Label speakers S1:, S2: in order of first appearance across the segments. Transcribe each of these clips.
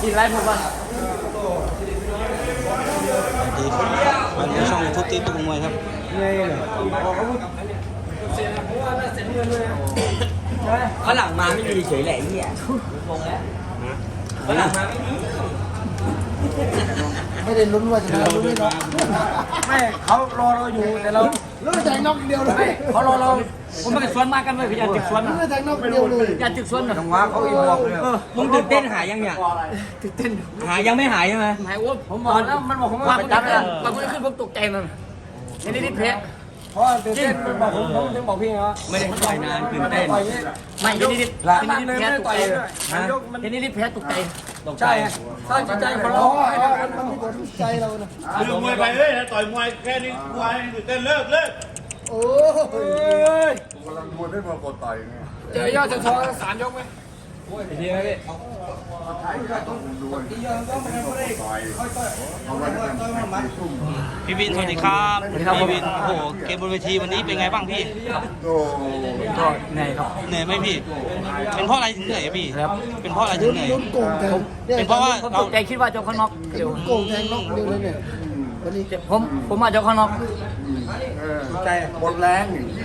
S1: กินไรผมว่า
S2: ดีครับมาในช่องทุกทีตุ้มวยครับ
S1: เขาหลังมาไม่มีเฉยแหละไอ้เหี้ยเขาหลังมา
S3: ไม่ได้ลุ้นว่าจะได้ลุ้นไม่น็อกไม่เขารอเราอยู่แต่เราลุ้นแทงน็อกเดียวเลย
S1: เขารอเราผมไม่ได้สวนมากกันเลยพี่อยากติดสวนนะ
S3: ลุ้นแทงน็อกเดียวเลย
S1: อยากติดสวนนะ
S3: จังหวะเขาอีบอกเลย
S1: มึงตื่นเต้นหายยังเนี่ยตื่นเต้นหายยังไม่หายใช่ไหมหายว่าผมบอกแล้วมันบอกผมว่าจับเลยบางคนขึ้นผมตกใจมันนี่เพะ
S3: เพราะตื่นเต้นมันบอกผมถึงบอกพี่ไงว่า
S1: ไม่ได้ต่อยนานตื่นเต้นไม่นิดแพ้ตกใจนิดแพ้ตกใจ
S3: ใช่สร้างจิตใจของเรามันมีผลใจเรานะ
S4: คือมวยไปเลยนะต่อยมวยแค่นี้มวยตื่นเต้นเลิก
S3: โอ้ย
S4: กำลังมวยไม่มากดต่อยไง
S3: เจอยอดจะทอ3 ยกไหม
S1: ดีไหมพี่
S2: พี่วินสวัสดีครับพี่วินโอ้โหเกมบนเวทีวันนี้เป็นไงบ้างพี่
S1: ก็เหนื่อยครับ
S2: เหนื่อยไหมพี่เป็นเพราะอะไรถึงเหนื่อยพี่เป็นเพราะอะไรถึงเหนื่อย
S3: ลุ้นโกงแทง
S2: เป็นเพราะว่าเรา
S1: ใจคิดว่าเจ้าข้างนอก
S3: เดี๋ยวโกงแทงน็อกเดียวเลยเนี่ยวันนี้
S1: ผมมาเจ้าข้างนอก
S3: ใจ
S4: หมดแรงอย่างนี้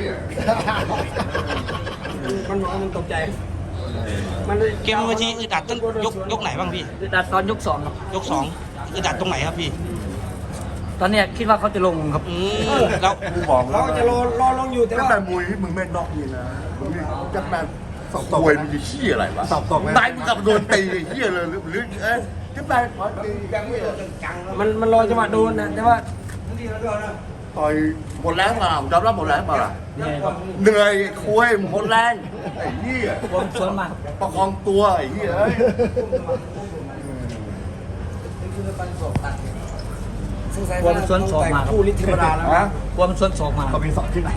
S3: มันตกใจ
S2: เกมบนเวทีอึดอัดตั้งยกไหนบ้างพี่
S1: ดัดตอนยก2ครับ
S2: ยก2อึดอัดตรงไหนครับพี่
S1: ตอนนี้คิดว่าเขาจะลงครับ
S2: แล้ว
S4: กูบอกแล้ว
S3: เขาจะรอลงอยู่แต่ว่า
S4: แต่มวยที่มึงไม่น็อกนี่นะมึงจะแบบสอบมวยมึงจะขี้อะไรวะ
S3: สอบตกไหม
S4: ตายมึงกับโดนตีเหี้ยเลยหรือจะไป
S3: มันรอจังหวะโดนนะแต่ว่า
S4: ต่อยหมดแรงเปล่าจำรับหมดแรงเปล่าเหนื่อยคุยหมดแรงไอ้เหี้ย
S1: ผมสวนมา
S4: ประคองตัวไอ้เหี้ย
S1: ความสวนสองมา
S3: คู่ลิธรรมดาแล้วนะ
S1: ความสวนสองมา
S4: เขามีสอบที่ไหน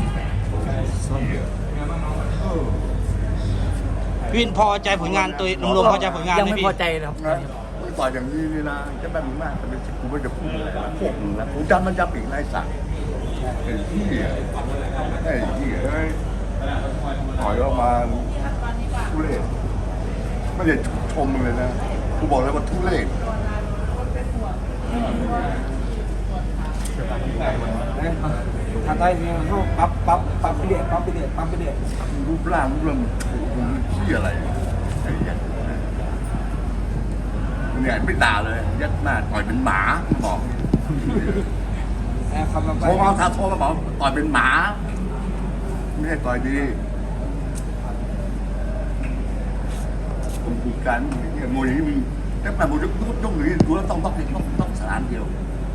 S2: พี่วินพอใจผลงานตัวรวมๆพอใจผลงาน
S1: ยัง
S2: ไหมพี่
S1: ไม่พอใจครับ
S4: ต่อยอย่างนี้นี่นะจะแบบมึงมากแต่เป็นกูไม่จะพูดอะไรพวกมึงนะกูจำมันจำอีกนายสักไอ้เหี้ยไอ้เหี้ยต่อยออกมาทุเรศไม่ได้ชมมึงเลยนะกูบอกเลยว่าทุเรศ
S3: ถ้าได้เนี่ยเขาปั๊บไปเด็ด
S4: รูปร่างมึงขี้อะไรไอ้ยักษ์เนี่ยไม่ด่าเลยยักษ์หน้าต่อยเป็นหมาบอกโทรมาโทรมาบอกต่อยเป็นหมาไม่ใช่ต่อยดีผมพูดกันมวยนี้มึงแต่แบบมวยต้องหนีดูแล้วต้องสถานเดียว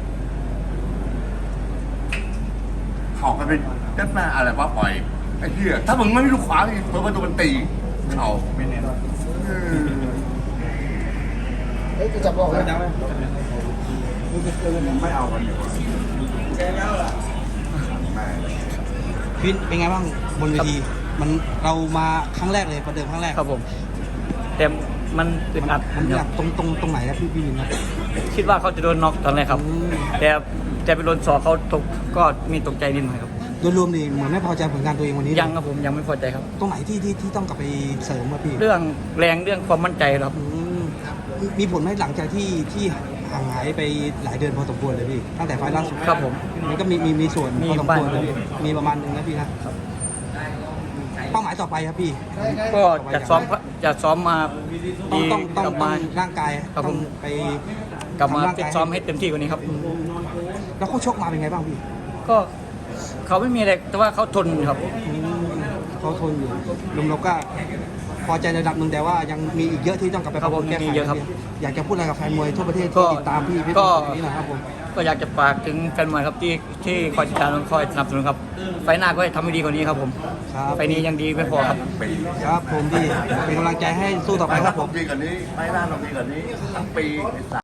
S4: เขากันเป็นยักษ์หน้าอะไรวะปล่อยไอ้เหี้ยถ้ามึงไม่มีลูกขวานี่เพิ่มมาตัวมันตีเขาไม่แน่
S3: จะจับบอกเลย
S4: ไม่เอากันเดี๋ยว
S2: พี่เป็นไงบ้างบนเวทีมันเรามาครั้งแรกเลยประเดิมครั้งแรก
S1: ครับผมแต่มันอึดอัด
S2: มันอยากตรงไหนครับพี่วินนะ
S1: คิดว่าเขาจะโดนน็อกตอนแรกครับแต่ไปโดนศอกเขาตกก็มีตกใจนิดหน่อยครับ
S2: โดยรวมนี่เหมือนไม่พอใจผลงานตัวเองวันนี้
S1: ยังครับผมยังไม่พอใจครับ
S2: ตรงไหนที่ต้องกลับไปเสริมมาพี่
S1: เรื่องแรงเรื่องความมั่นใจครับ
S2: มีผลไหมหลังจากที่ห่างหายไปหลายเดือนพอสมควรเลยพี่ตั้งแต่ไฟล์ล่าสุด
S1: ครับผม
S2: มันก็มีส่วนพอสมควรเลยมีประมาณนึงนะพี่นะเป้าหมายต่อไปครับพี่
S1: ก็จะซ้อมมา
S2: ต้องร่างกายต้องไป
S1: กลับมาซ้อมให้เต็มที่กว่านี้ครับ
S2: แล้วเขาชกมาเป็นไงบ้างพี่
S1: ก็เขาไม่มีอะไรแต่ว่าเขาทนครับ
S2: เขาทนอยู่ลุงเราก็พอใจระดับหนึ่งแต่ว่ายังมีอีกเยอะที่ต้องกลับไปปรับปรุงแก้ไขอยากจะพูดอะไรกับแฟนมวยทั่วประเทศที่ติดตามพี่
S1: ก็
S2: นี้นะครับผม
S1: ก็อยากจะฝากถึงแฟนมวยครับที่คอยติดตามคอยสนับสนุนครับไฟหน้าก็ให้ทำให้ดีกว่านี้ครับผมไฟนี้ยังดีไม่พอครับ
S2: ครับผมพี่เป็นกำลังใจให้สู้ต่อไปครับผม
S4: ดีกว่านี้ไฟหน้าต้องดีกว่านี้ทั้งปี